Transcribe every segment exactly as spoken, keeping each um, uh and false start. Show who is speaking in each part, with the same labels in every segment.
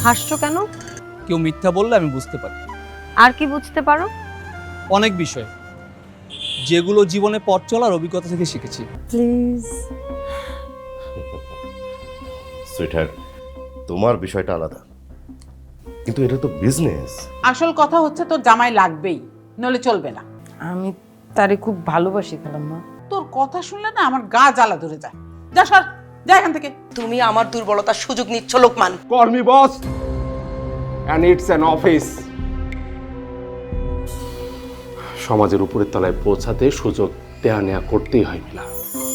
Speaker 1: হাসছো কেন?
Speaker 2: কেউ মিথ্যা বললে আমি বুঝতে পারি।
Speaker 1: আর কি বুঝতে পারো?
Speaker 2: অনেক বিষয়, যেগুলো জীবনে পথ চলার অভিজ্ঞতা থেকে শিখেছি।
Speaker 1: প্লিজ।
Speaker 3: সুইটহার্ট, তোমার বিষয়টা আলাদা, কিন্তু এটা তো বিজনেস।
Speaker 4: আসল কথা হচ্ছে তোর জামাই লাগবেই, নলে চলবে না।
Speaker 1: আমি তারে খুব ভালোবাসি খালাম্মা।
Speaker 4: তোর কথা শুনলে না আমার গা জ্বালা ধরে যায়। যা সর, যা এখান থেকে।
Speaker 5: তুমি আমার দুর্বলতার সুযোগ নিচ্ছ Lokman.
Speaker 6: Call me boss, and it's an office. সমাজের উপরের তলায় পৌঁছাতে সুযোগ দেয়া নেয়া করতেই হয় না।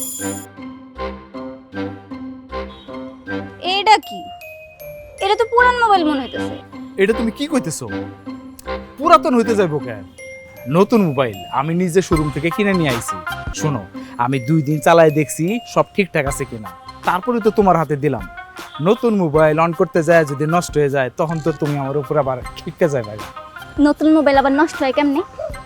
Speaker 7: এটা কি? এটা তো পুরান মোবাইল মনে হইতেছে।
Speaker 8: এটা তুমি কি কইতেছো? পুরাতন হইতে যাইবো কেন? নতুন মোবাইল আমি নিজে শোরুম থেকে কিনে নিয়ে আইছি। শোনো, আমি দুই দিন চালায় দেখছি সব ঠিকঠাক আছে কিনা, তারপরে তো তোমার হাতে দিলাম। নতুন মোবাইল অন করতে যায় যদি নষ্ট হয়ে যায়, তখন তো তুমি আমার উপর আবার খিটকে যাবে।
Speaker 7: নতুন মোবাইল আবার নষ্ট হয় কেমনে?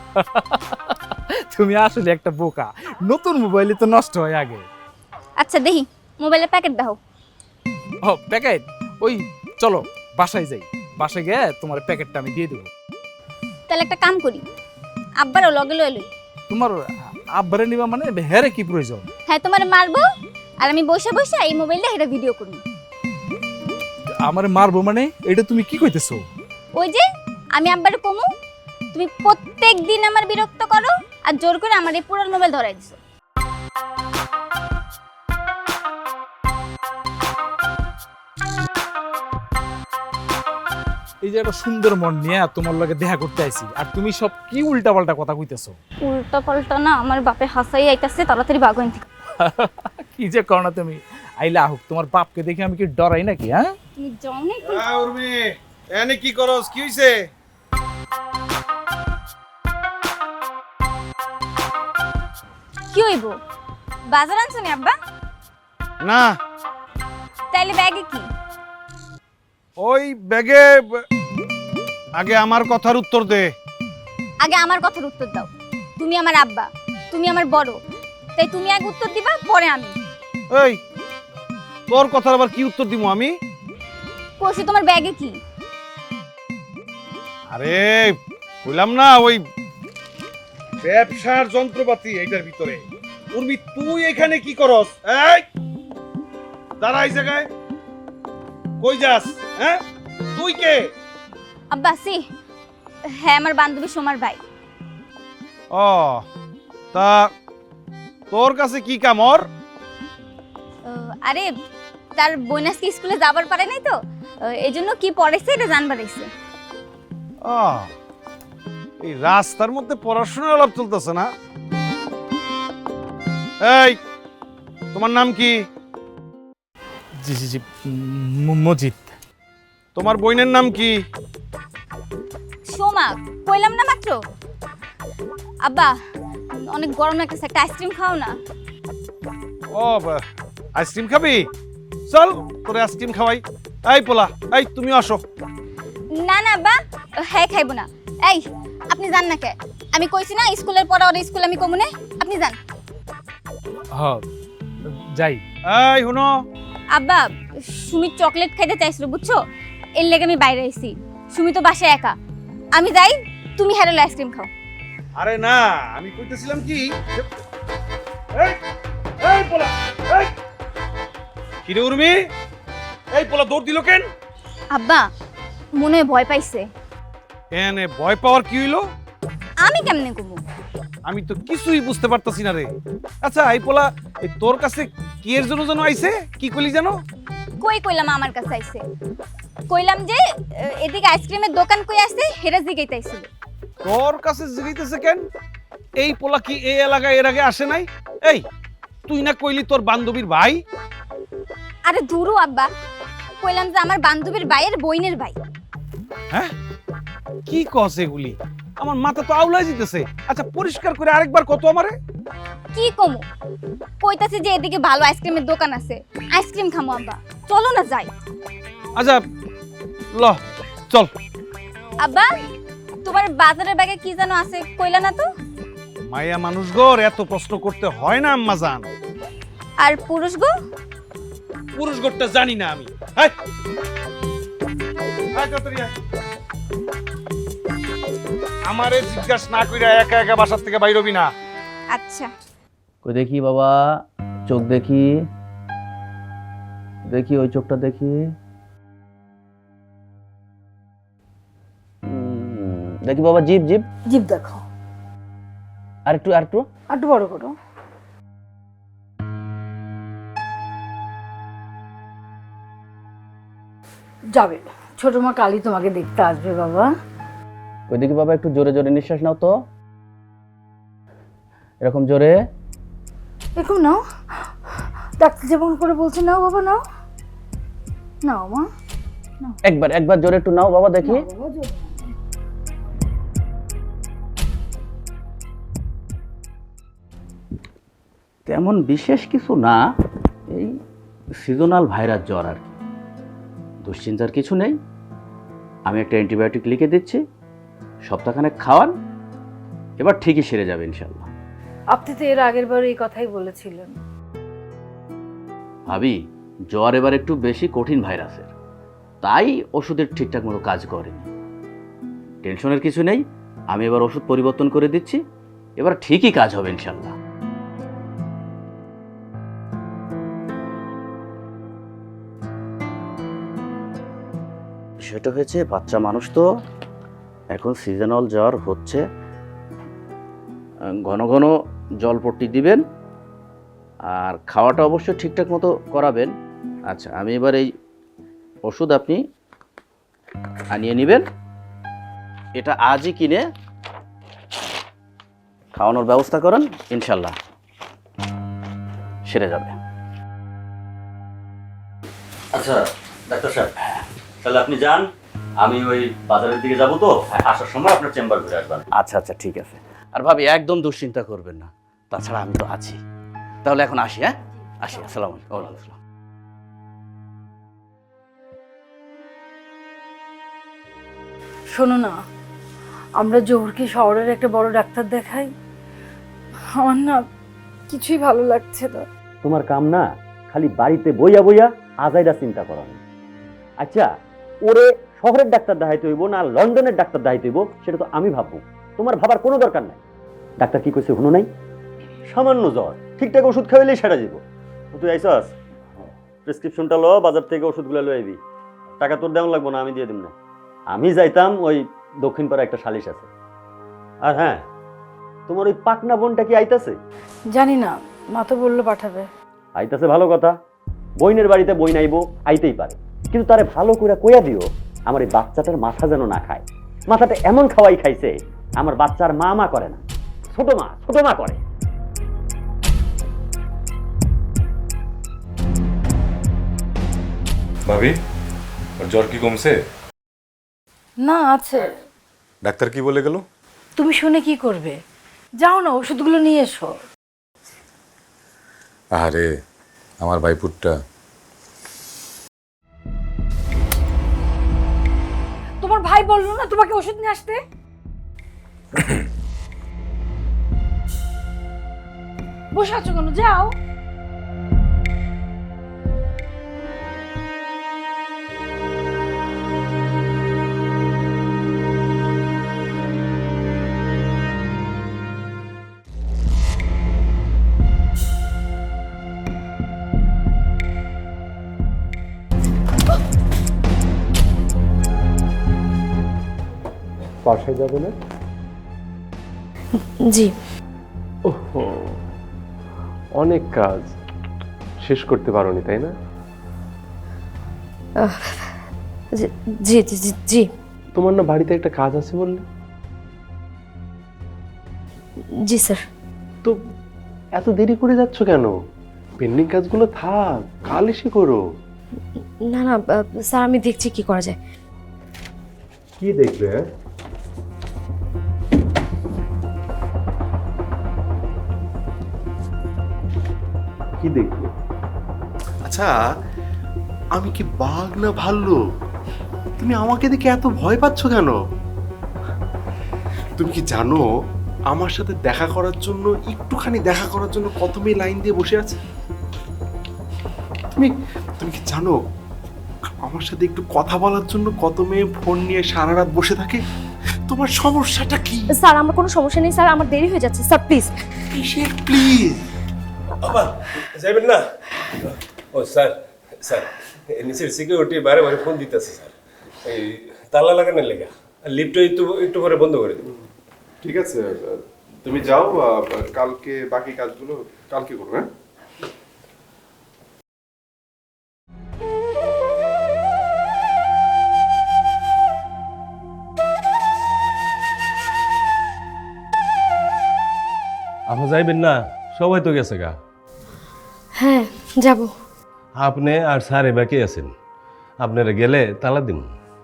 Speaker 8: তুমি আসলে একটা বোকা। নতুন মোবাইলে তো নষ্ট হয় আগে।
Speaker 7: আচ্ছা দেখি মোবাইলের প্যাকেট দাও।
Speaker 8: ও প্যাকেট? ওই চলো বাসায় যাই, বাসায় গিয়ে তোমার প্যাকেটটা আমি দিয়ে দেবো।
Speaker 7: তাহলে একটা কাম করি, আব্বারও লগে লয়ে লই।
Speaker 8: তোমার আব্বারে নিবা মানে হেরে কি প্রয়োজন?
Speaker 7: হ্যাঁ তোমার মারবো, আর আমি বসে বসে এই মোবাইলটা এটা ভিডিও করব।
Speaker 8: আমারে মারবো মানে? এটা তুমি কি কইতেছো?
Speaker 7: ওই যে আমি আব্বারে কমু, তুমি প্রত্যেক দিন আমার বিরক্ত করো আর জোর করে আমার এই পুরান মোবাইল ধরাই দিছো।
Speaker 8: এই যে একটা সুন্দর মন নিয়ে তোমার লগে দেখা করতে আইছি, আর তুমি সব কি উল্টাপাল্টা কথা কইতেছো।
Speaker 7: উল্টা পাল্টা না, আমার বাপে হাসাই আইতাছে, তাড়াতাড়ি বাগন থেকে।
Speaker 8: কি যে করো না তুমি। আইলা হোক, তোমার বাপকে দেখে আমি কি ডরাই নাকি? হ্যাঁ
Speaker 7: তুমি যাও না একটু।
Speaker 9: উর্মি, এনে কি করস? কি হইছে?
Speaker 7: কি হইব? বাজার আনছো নি আব্বা?
Speaker 9: না,
Speaker 7: তাইলে ব্যাগে কি?
Speaker 9: ওই ব্যাগে আগে আমার কথার উত্তর দে।
Speaker 7: আগে আমার কথার উত্তর দাও। তুমি আমার আব্বা, তুমি আমার বড়, তাই তুমি আগে উত্তর দিবা, পরে আমি।
Speaker 9: এই তোর কথার আবার কি উত্তর দিমু আমি?
Speaker 7: কইছি তোমার ব্যাগে কি?
Speaker 9: আরে বললাম না, ওই ব্যবসার যন্ত্রপাতি এইটার ভিতরে। উর্মি, তুই এখানে কি করস? এই দাঁড়া এই জায়গায়, কই যাস? হ্যাঁ, তুই কে?
Speaker 7: আব্বা সি, হ্যাঁ আমার বান্ধবী সোমার ভাই।
Speaker 9: ও তা তোর কাছে কি কাম ওর?
Speaker 7: আহ, আরে তার বোনাসকে স্কুলে যাবার পারে নাই তো, এই জন্য কি পড়াইছে এটা জানবার আইছে।
Speaker 9: ও, এই রাস্তার মধ্যে পড়াশোনার আলাপ চলতেছে না? এই তোমার নাম কি?
Speaker 8: জি জি জি ম- মজিদ।
Speaker 9: তোমার বোনের নাম কি?
Speaker 7: সোমা, কইলাম না মাত্র। আব্বা অনেক গরম লাগতেছে, একটা আইসক্রিম খাও না।
Speaker 9: ও বা- আইসক্রিম খাবি? চল তোরে আইসক্রিম খাওয়াই। এই পোলা, এই তুমি আসো।
Speaker 7: না না আব্বা, হ্যাঁ খাইবো না। এই আপনি যান না কে? আমি কইছি না স্কুলের পড়া ওর স্কুল আমি কমুনে, আপনি যান।
Speaker 8: হ্যাঁ যাই।
Speaker 9: এই হুনো,
Speaker 7: আব্বা সুমি চকলেট খাইতে চাইছিল বুঝছো, এর লেগে আমি বাইরে আইছি। সুমি তো বাসায় একা, আমি যাই, তুমি হেরেল আইসক্রিম খাও।
Speaker 9: আরে না, আমি কইতেছিলাম কি, এই এই পোলা, এই কি রে উর্মি, এই পোলা দৌড় দিল কেন?
Speaker 7: আব্বা মনে হয় ভয় পাইছে।
Speaker 9: এনে ভয় পাওয়ার কি হইলো?
Speaker 7: আমি কেমনে কমু?
Speaker 9: আমি তো কিছুই বুঝতে পারতাছি না রে। আচ্ছা এই পোলা এই তোর কাছে কি এর জন্য যেন আইছে? কি কইলি জানো?
Speaker 7: কই কইলাম আমার কাছে আইছে? কইলাম যে আহ, এদিকে আইসক্রিমের দোকান কই আছে হেরা জিগাইতে আইছিল।
Speaker 9: তোর কাছে জিগাইতেছে কেন? এই পোলা কি এই এলাকায় এর আগে আসে নাই? এই তুই না কইলি তোর বান্ধবীর ভাই?
Speaker 7: আরে দূরও আব্বা, কইলাম যে আমার বান্ধবীর ভাইয়ের বইনের ভাই।
Speaker 9: হ্যাঁ কি কস এগুলি? আমার মাথা তো আউলাই যেতেছে। আচ্ছা পরিষ্কার করে আরেকবার কত আমারে।
Speaker 7: কি কমু? কইতাছে যে এদিকে ভালো আইসক্রিমের দোকান আছে, আইসক্রিম খামু আব্বা, চলো না যাই।
Speaker 9: আচ্ছা ল চল।
Speaker 7: আব্বা তোমার বাজারের ব্যাগে কি যেন আছে কইলা না তো?
Speaker 9: মায়া মানুষ গোর এত প্রশ্ন করতে হয় না আম্মা জান।
Speaker 7: আর পুরুষ গো?
Speaker 9: পুরুষ গোরটা জানি না আমি। হাই আয় তাড়াতাড়ি আয়। আমারে জিজ্ঞাসা না কইরা একা একা বাসার থেকে বাইর হবি না।
Speaker 7: আচ্ছা।
Speaker 10: কই দেখি বাবা, চোখ দেখি, দেখি ওই চোখটা দেখি। হুম, দেখি বাবা, জিভ জিভ
Speaker 1: জিভ দেখো,
Speaker 10: আর একটু আর একটু
Speaker 1: আর একটু বড় করো। যাবে, ছোট মা কালী তোমাকে দেখতে আসবে বাবা।
Speaker 10: কই দেখি বাবা, একটু জোরে জোরে নিঃশ্বাস নাও তো, এরকম জোরে।
Speaker 1: এরকম নাও, ডাক্তার যেমন করে বলছে নাও বাবা, নাও নাও মা,
Speaker 10: একবার একবার জোরে একটু নাও বাবা, দেখি।
Speaker 1: নাও বাবা, জোরে।
Speaker 10: তেমন বিশেষ কিছু না, এই সিজনাল ভাইরাস জ্বর আর কি, দুশ্চিন্তার কিছু নেই। আমি একটা অ্যান্টিবায়োটিক লিখে দিচ্ছি, সপ্তাহখানেক খাওয়ান, এবার ঠিকই সেরে যাবে ইনশাল্লাহ।
Speaker 1: আপনি তো এর আগের বার এই কথাই বলেছিলেন।
Speaker 10: ভাবি, জ্বর এবার একটু বেশি কঠিন ভাইরাসের, তাই ওষুধের ঠিকঠাক মতো কাজ করেনি। টেনশনের কিছু নেই, আমি এবার ওষুধ পরিবর্তন করে দিচ্ছি, এবার ঠিকই কাজ হবে ইনশাল্লাহ। সেটা হয়েছে, বাচ্চা মানুষ তো, এখন সিজনাল জ্বর হচ্ছে, ঘন ঘন জলপট্টি দিবেন আর খাওয়াটা অবশ্যই ঠিকঠাক মতো করাবেন। আচ্ছা, আমি এবার এই ওষুধ আপনি আনিয়ে নেবেন, এটা আজই কিনে খাওয়ানোর ব্যবস্থা করেন, ইনশাল্লাহ সেরে যাবে। আচ্ছা ডাক্তার সাহেব, তাহলে আপনি যান, আমি ওই বাজারের দিকে যাব, তো আসার সময় আপনার চেম্বার ঘুরে আসবেন। আচ্ছা আচ্ছা ঠিক আছে। আর ভাবি, একদম দুশ্চিন্তা করবেন না, তাছাড়া আমি তো আছি। তাহলে এখন আসি, হ্যাঁ আসি। আসসালামু আলাইকুম। ওয়ালাইকুম আসসালাম।
Speaker 1: শোনো না, আমরা জোহরকে শহরের একটা বড় ডাক্তার দেখাই। আমার না কিছুই ভালো লাগছে না।
Speaker 10: তোমার কাম না খালি বাড়িতে বইয়া বইয়া আজাইরা চিন্তা করানো। আচ্ছা, ওরে শহরের ডাক্তার দেখাইতে হইব না লন্ডনের ডাক্তার দেখাইতে হইব, সেটা তো আমি ভাববো, তোমার ভাবার কোনো দরকার নাই। ডাক্তার কি কইছে শুনো নাই? সামান্য জ্বর, ঠিকঠাক ওষুধ খাইলেই সেরা যাব। তুই আইসস, প্রেসক্রিপশনটা ল, বাজার থেকে ওষুধগুলো লই আইবি। টাকা তোর দেওয়া লাগবো না, আমি দিয়ে দিব না। আমি যাইতাম ওই দক্ষিণ পাড়া একটা সালিশ আছে। আর হ্যাঁ, তোমার ওই পাকনা বোনটা কি আইতাছে?
Speaker 1: জানি না, মা তো বললো পাঠাবে।
Speaker 10: আইতাছে ভালো কথা, বইনের বাড়িতে বই নাইবো, আইতেই পারে, কিন্তু তারে ভালো করে কইয়া দিও আমার এই বাচ্চাটার মাথা যেন না খায়। মাথাটা এমন খাওয়াই খাইছে, আমার বাচ্চার মা মা করে না, ছোট মা ছোট মা করে।
Speaker 11: ভাবি, ওর জ্বর কি কমছে?
Speaker 1: না, আছে।
Speaker 11: ডাক্তার কি বলে গেল?
Speaker 1: তুমি শুনে কি করবে? যাও না, ওষুধগুলো নিয়ে এসো।
Speaker 11: আরে আমার ভাইপুরটা।
Speaker 1: তোমার ভাই বললো না তোমাকে ওষুধ নিয়ে আসতে? বসে আছো কেন? যাও।
Speaker 6: বাসায় যাবে না?
Speaker 1: জি।
Speaker 6: ওহো, অনেক কাজ শেষ করতে পারোনি, তাই না?
Speaker 1: জি জি জি জি।
Speaker 6: তোমার না বাড়িতে একটা কাজ আছে বললে?
Speaker 1: জি স্যার।
Speaker 6: তো এত দেরি করে যাচ্ছ কেন? পেন্ডিং কাজগুলো থাক, কাল এসে করো।
Speaker 1: না না স্যার, আমি দেখছি কি করা যায়।
Speaker 6: কি দেখবে? কি দেখবে?
Speaker 12: আচ্ছা, আমি কি বাঘ না ভাল্লুক? তুমি আমাকে দেখে এত ভয় পাচ্ছ কেন? তুমি কি জানো আমার সাথে দেখা করার জন্য, একটুখানি দেখা করার জন্য কত মেয়ে লাইন দিয়ে বসে আছে? তুমি তুমি কি জানো আমার সাথে একটু কথা বলার জন্য কত মেয়ে ফোন নিয়ে সারা রাত বসে থাকে। তোমার সমস্যাটা কি?
Speaker 7: স্যার আমার কোনো সমস্যা নেই স্যার, আমার দেরি হয়ে যাচ্ছে স্যার, প্লিজ।
Speaker 12: কিসের প্লিজ?
Speaker 9: বাবা যাবেন না? ও স্যার স্যার নিচের সিকিউরিটি বারে বারে ফোন দিতেছে স্যার, এই তালা লাগানোর লেগা। লিফটটা একটু একটু পরে বন্ধ করে দেবো।
Speaker 12: ঠিক আছে, তুমি যাও, আহ, কালকে বাকি কাজগুলো কালকে করো। হ্যাঁ,
Speaker 9: আপনি যাইবেন না? সবাই তো গেছে গা।
Speaker 1: হ্যাঁ যাব।
Speaker 9: আপনি আর স্যার বাকি আছেন, আপনারা গেলে তালা দিন।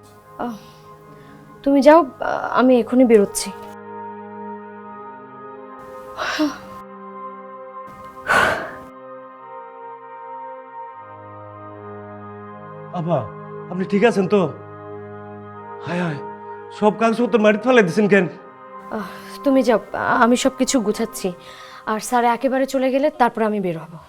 Speaker 1: তুমি যাও, আমি এখনই বেরোচ্ছি।
Speaker 9: আপা আপনি ঠিক আছেন তো? হায় হায়, সব কাগজপত্র মাটিতে ফেলে দিয়েছেন কেন?
Speaker 1: তুমি যাও, আমি সব কিছু গুছাচ্ছি। আর স্যার একেবারে চলে গেলে তারপর আমি বের হব।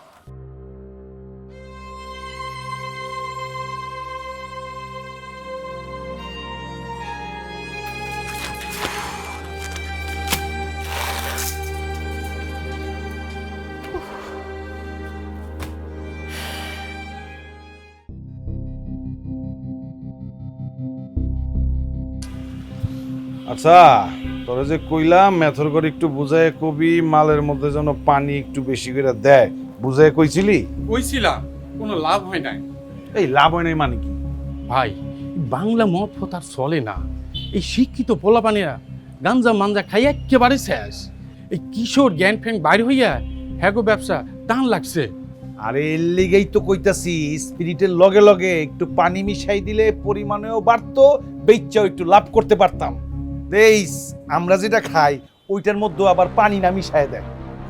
Speaker 9: আচ্ছা, তোরা যে কইলাম মেথর করে একটু বুঝায় কবি মালের মধ্যে যেন পানি একটু বেশি করে দেয়, বুঝায় কইছিলি?
Speaker 8: কইছিলাম, কোনো লাভ হয় নাই।
Speaker 9: এই লাভ হয় নাই মানে কি?
Speaker 8: ভাই বাংলা মদ ফতার চলে না, এই শিক্ষিত পোলাপানিরা গাঞ্জা মাঞ্জা খাই একেবারে শেষ। এই কিশোর জ্ঞান ফ্যান বাইর হইয়া হ্যাগো ব্যবসা টান লাগছে।
Speaker 9: আরে এর লিগেই তো কইতাছি, স্পিরিটের লগে লগে একটু পানি মিশাই দিলে পরিমাণেও বাড়তো, বেচ্চাও একটু লাভ করতে পারতাম। দেইস আমরা যেটা খাই ওইটার মধ্যে আবার পানি না মিশায় দেয়।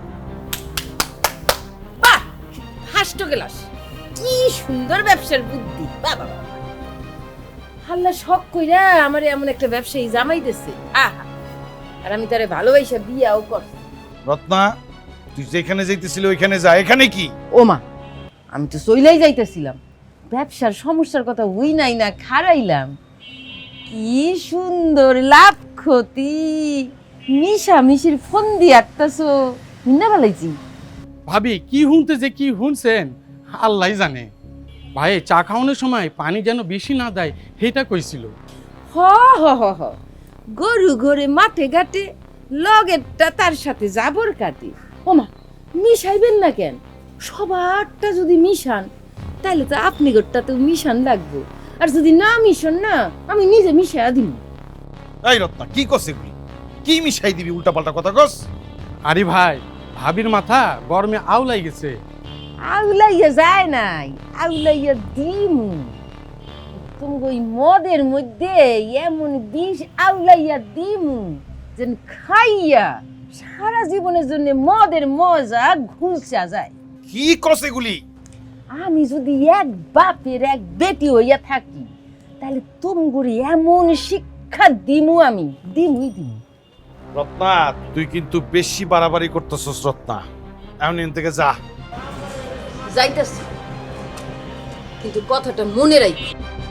Speaker 5: বাহ, হাসটো গেলাস, কি সুন্দর ব্যবসার বুদ্ধি। বাবা হাল্লা শখ কইরা আমার এমন একটা ব্যবসায়ী জামাই দিছে। আহা, আর আমি তারে ভালোবাসা বিয়াও করছি।
Speaker 9: রত্না, তুই যেখানে যাইতেছিলি ওইখানে যা, এখানে কি?
Speaker 5: ও মা, আমি তো চইলাই যাইতেছিলাম, ব্যবসার সমস্যার কথা হই নাই না খারাইলাম। কি সুন্দর লাভ ক্ষতি মিশামিশির ফোন দিয়ে আটতাছো, মিন্না ভালাইছি।
Speaker 8: ভাবি কি হুনতে যে কি হুনছেন আল্লাহ জানে। ভাই চা খাওয়ানোর সময় পানি যেন বেশি না দেয় সেটা কইছিল।
Speaker 5: হ হ হ হ, গরু ঘরে মাঠে ঘাটে লগেরটা তার সাথে জাবর কাটে। ও মা, মিশাইবেন না কেন? সবারটা যদি মিশান তাহলে তো আপনি গোটটাতেও মিশান লাগবো, আর যদি না মিশন না আমি নিজে মিশাইয়া দিব।
Speaker 9: এই রত্না, কি কস এগুলি? কি মিশাই দিবি? উল্টা পাল্টা কথা কস।
Speaker 8: আরে ভাই, ভাবির মাথা গরমে আউলাই গেছে।
Speaker 5: আউলাইয়া যায় নাই, আউলাইয়া দিমু। তুমি ওই মদের মধ্যে এমন বিষ আউলাইয়া দিমু যেন খাইয়া সারা জীবনের জন্য মদের মজা ঘুষা যায়।
Speaker 9: কি কস এগুলি?
Speaker 5: আমি যদি এক বাপের এক বেটি হইয়া থাকি তাহলে তুমি এমন শিক্ষা দিমু, আমি দিমুই দিমু।
Speaker 9: রত্না, তুই কিন্তু বেশি বাড়াবাড়ি করতেছস। রত্না, এখন এখান থেকে যা।
Speaker 5: যাইতাছি, কিন্তু কথাটা মনে রাখি।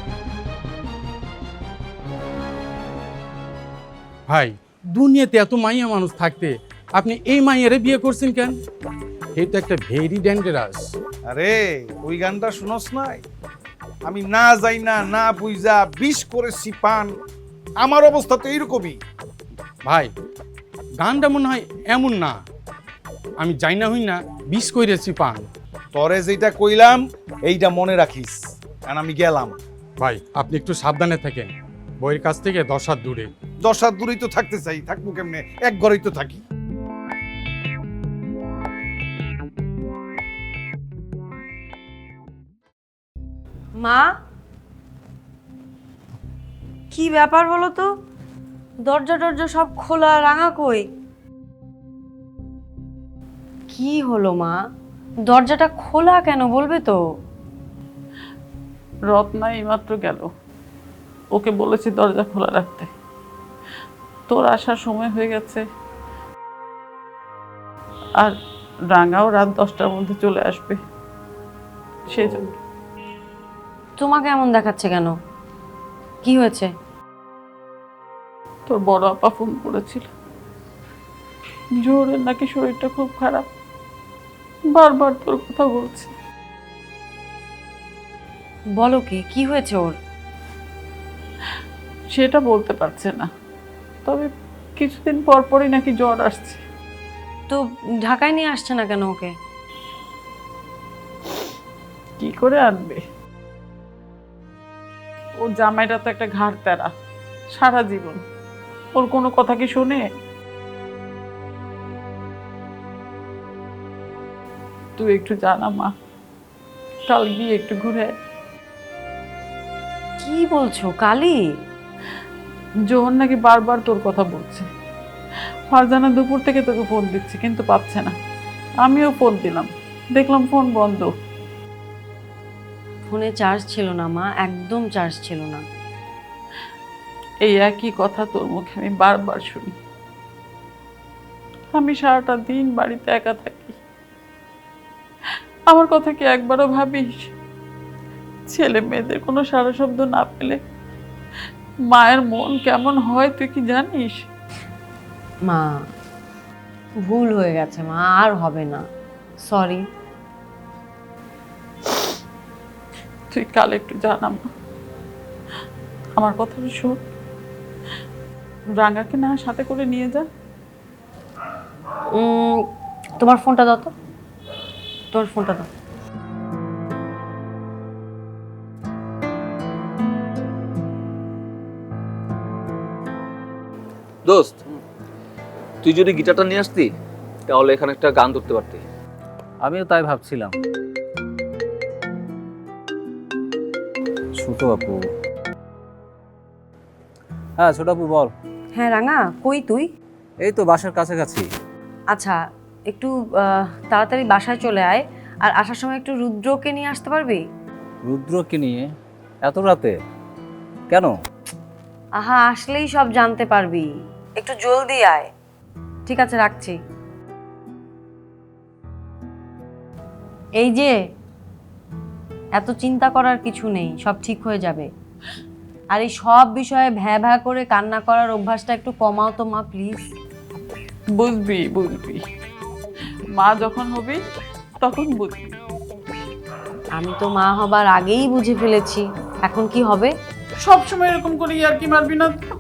Speaker 8: ভাই দুনিয়াতে এত মাইয়া মানুষ থাকতে আপনি এই মাইয়ারে বিয়ে করছেন কেন? এই তো একটা ভেরি ডেঞ্জারাস।
Speaker 9: আরে ওই গানটা শুনস নাই? আমি না যাই না না বুঝা বিষ করেছি পান, আমার অবস্থা তো এইরকমই।
Speaker 8: ভাই গানটা মনে হয় এমন না, আমি যাই না হই না বিষ কইরেছি পান।
Speaker 9: তরে যেটা কইলাম এইটা মনে রাখিস, কারণ আমি গেলাম।
Speaker 8: ভাই আপনি একটু সাবধানে থাকেন, বইয়ের কাছ থেকে দশ হাত দূরে।
Speaker 9: দশ হাত দূরেই তো থাকতে চাই, থাকবো কেমনে? এক ঘরেই তো থাকি।
Speaker 1: মা, কি ব্যাপার বলো তো? দরজা টরজা সব খোলা, রাঙা কই? কি হলো মা? দরজাটা খোলা কেন বলবে তো?
Speaker 4: রত্না এইমাত্র গেল, ওকে বলেছি দরজা খোলা রাখতে। তোর আসার সময় হয়ে গেছে, আর রাঙাও রাত দশটার মধ্যে চলে আসবে, সেই জন্য।
Speaker 13: তোমাকে এমন দেখাচ্ছে কেন? কি হয়েছে?
Speaker 4: তোর বড় আপা ফোন করেছিল, জোহরের নাকি শরীরটা খুব খারাপ, বারবার তোর কথা বলছে।
Speaker 13: বলো কি, কি হয়েছে ওর?
Speaker 4: সেটা বলতে পারছে না, তবে কিছুদিন পর পরই নাকি জ্বর আসছে।
Speaker 13: তো ঢাকায় নিয়ে আসছে না কেন ওকে?
Speaker 4: কি করে আনবে? ওর জামাইটা তো একটা ঘাড় তেরা, সারা জীবন ওর কোনো কথা কি শোনে? তুই একটু জানা মা, কাল গিয়ে একটু ঘুরে আয়।
Speaker 13: কি বলছো? কালি?
Speaker 4: জোহর নাকি বারবার তোর কথা বলছে। ফারজানা দুপুর থেকে তোকে ফোন দিচ্ছে কিন্তু পাচ্ছে না। আমিও ফোন দিলাম, দেখলাম ফোন বন্ধ।
Speaker 13: ফোনে চার্জ ছিল না মা, একদম চার্জ ছিল না।
Speaker 4: এই একই কথা তোর মুখে আমি বারবার শুনি। আমি সারাটা দিন বাড়িতে একা থাকি, আমার কথা কি একবারও ভাবিস? ছেলে মেয়েদের কোনো সারা শব্দ না পেলে মায়ের মন কেমন হয় তুই কি জানিস?
Speaker 13: মা, ভুল হয়ে গেছে মা, আর হবে না, সরি।
Speaker 4: তুই কাল একটু জানা মা, আমার কথা শোন, রাঙ্গাকে না সাথে করে নিয়ে যা।
Speaker 13: উম, তোমার ফোনটা দাও তো, তোমার ফোনটা দাও।
Speaker 2: দোস্ত, তুই যদি গিটারটা নিয়ে আসতি তাহলে এখানে একটা গান ধরতে পারতি।
Speaker 14: আমিও তাই ভাবছিলাম। ছোট আপু, হ্যাঁ ছোট আপু বল।
Speaker 13: হ্যাঁ রাঙা, কই তুই?
Speaker 14: এই তো বাসার কাছাকাছি।
Speaker 13: আচ্ছা, একটু আহ, তাড়াতাড়ি বাসায় চলে আয়, আর আসার সময় একটু রুদ্রকে নিয়ে আসতে পারবি?
Speaker 14: রুদ্রকে নিয়ে এত রাতে কেন?
Speaker 13: আহা, আসলেই সব জানতে পারবি, একটু জলদি আয়। ঠিক আছে, রাখছি। এই যে, এত চিন্তা করার কিছু নেই, সব ঠিক হয়ে যাবে। আর এই সব বিষয়ে ভ্যা ভ্যা করে কান্না করার অভ্যাসটা একটু কমাও তো মা, প্লিজ।
Speaker 4: বুঝবি বুঝবি, মা যখন হবি তখন বুঝবি।
Speaker 13: আমি তো মা হবার আগেই বুঝে ফেলেছি, এখন কি হবে?
Speaker 4: সব সময় এরকম করে আর কি মারবি না তো?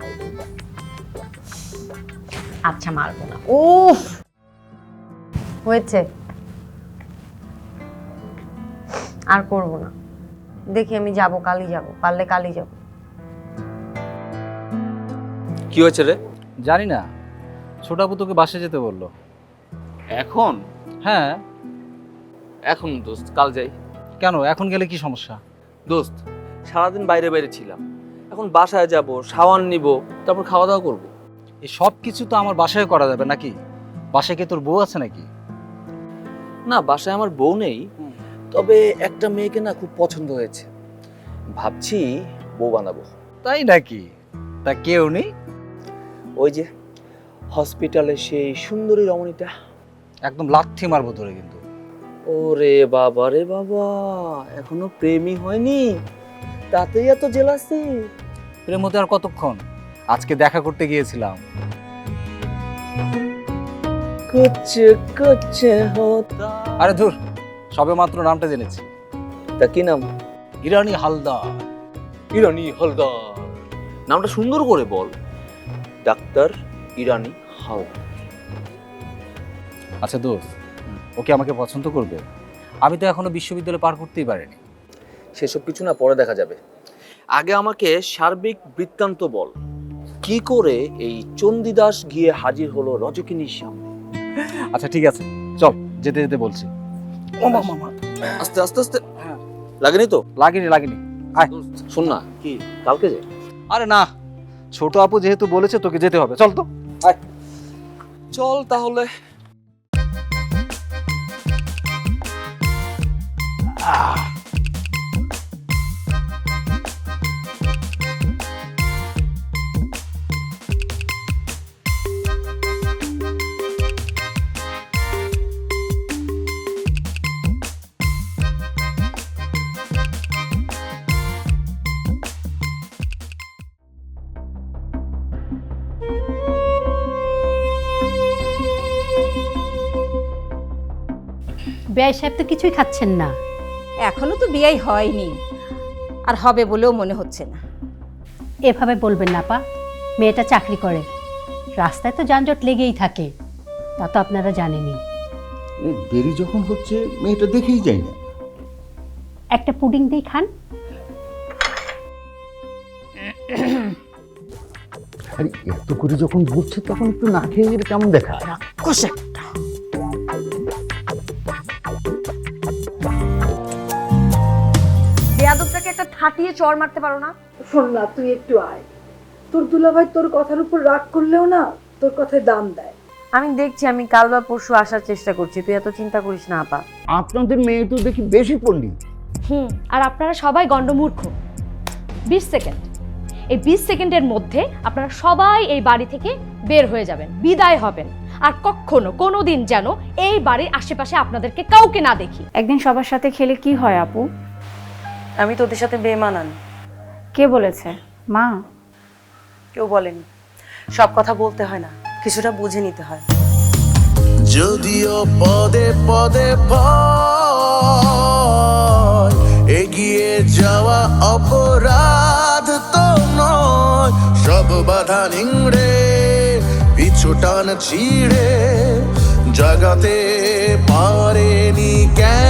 Speaker 13: আচ্ছা, মারবো না। উফ, হয়েছে, আর করব না। দেখি আমি যাব, কালই যাব, পারলে কালই যাব।
Speaker 2: কি হয়েছে রে?
Speaker 14: জানি না, ছোট আপু তোকে বাসে যেতে বললো।
Speaker 2: এখন?
Speaker 14: হ্যাঁ।
Speaker 2: এখন দোস্ত, কাল যাই।
Speaker 14: কেন, এখন গেলে কি সমস্যা?
Speaker 2: দোস্ত, সারাদিন বাইরে বাইরে ছিলাম, এখন বাসায় যাব, শাওয়ার নিব, তারপর খাওয়া দাওয়া করব।
Speaker 14: এই সব কিছু তো আমার বাসায় করা যাবে নাকি? বাসায় কি তোর বউ আছে নাকি?
Speaker 2: না, বাসায় আমার বউ নেই, তবে একটা মেয়েকে না খুব পছন্দ হয়েছে, ভাবছি বউ বানাবো।
Speaker 14: তাই নাকি? তা কেউ নেই?
Speaker 2: ওই যে হসপিটালে সেই সুন্দরী রমণীটা।
Speaker 14: একদম লাথি মারবো ধরে কিন্তু।
Speaker 2: ওরে বাবা রে বাবা, এখনো প্রেমই হয়নি, তাতেই এত জেলাসি?
Speaker 14: প্রেম হতে আর কতক্ষণ, আজকে দেখা করতে গিয়েছিলাম।
Speaker 2: কুছ কুছ হোতা।
Speaker 14: আরে ধুর, সবে মাত্র নামটা জেনেছি।
Speaker 2: তা কি নাম?
Speaker 14: ইরানি হালদার।
Speaker 2: ইরানি হালদার নামটা সুন্দর করে বল। ডাক্তার ইরানি হালদার।
Speaker 14: আচ্ছা দোস্ত, ওকে আমাকে পছন্দ করবে? আমি তো এখনো বিশ্ববিদ্যালয় পার করতেই পারিনি।
Speaker 2: সেসব কিছু না পরে দেখা যাবে, আগে আমাকে সার্বিক বৃত্তান্ত বল। কি করে এই চণ্ডীদাস গিয়ে হাজির হলো রজকিনীর সামনে?
Speaker 14: আচ্ছা ঠিক আছে, চল, যেতে যেতে বলছি। ও মামা,
Speaker 2: আস্তে আস্তে আস্তে। লাগেনি তো?
Speaker 14: লাগেনি লাগেনি। আয়
Speaker 2: শোন না, কি কালকে যে?
Speaker 14: আরে না, ছোট আপু যেহেতু বলেছে তোকে যেতে হবে, চল তো। আয়
Speaker 2: চল তাহলে।
Speaker 15: বেয়াই সাহেব তো কিছুই খাচ্ছেন না।
Speaker 5: এখনো তো বিয়েই হয়নি, আর হবে বলেও মনে হচ্ছে না।
Speaker 15: এভাবে বলবেন না আপা, মেয়েটা চাকরি করে, রাস্তায় তো যানজট লেগেই থাকে, তা তো আপনারা জানেনই।
Speaker 16: দেরি যখন হচ্ছে মেয়েটা দেখেই যায় না।
Speaker 15: একটা পুডিং দিয়ে খান।
Speaker 16: আরে এত করে যখন বলছে তখন একটু না খেয়ে গেলে কেমন দেখা?
Speaker 5: রাক্ষস একটা।
Speaker 13: বেয়াদবটাকে একটা ঠাটিয়ে চড় মারতে পারো না?
Speaker 1: শোন না, তুই একটু আয়। তোর দুলাভাই তোর কথার উপর রাগ করলেও না তোর কথায় দাম দেয়।
Speaker 13: আমি দেখছি, আমি কাল বা পরশু আসার চেষ্টা করছি, তুই এত চিন্তা করিস না আপা।
Speaker 16: আপনাদের মেয়ে তো দেখি বেশি পড়লি।
Speaker 17: হুম, আর আপনারা সবাই গণ্ডমূর্খ। বিশ সেকেন্ড, এই বিশ সেকেন্ডের মধ্যে আপনারা সবাই এই বাড়ি থেকে বের হয়ে যাবেন, বিদায় হবেন, আর কখনো কোনো দিন যেন এই বাড়ির আশেপাশে আপনাদেরকে কাউকে না দেখি।
Speaker 1: একদিন সবার সাথে খেলে কি হয় আপু?
Speaker 13: আমি তোদের সাথে বেমানান।
Speaker 1: কে বলেছে? মা?
Speaker 13: কেউ বলেনি। সব কথা বলতে হয় না, কিছুটা বুঝে নিতে হয়।
Speaker 12: যদিও পদে পদে ভয়, এগিয়ে যাওয়া অপরাধ তো নয়। সব বাধা নিংড়ে পিছু টান ছিঁড়ে জাগাতে পারেনি কেন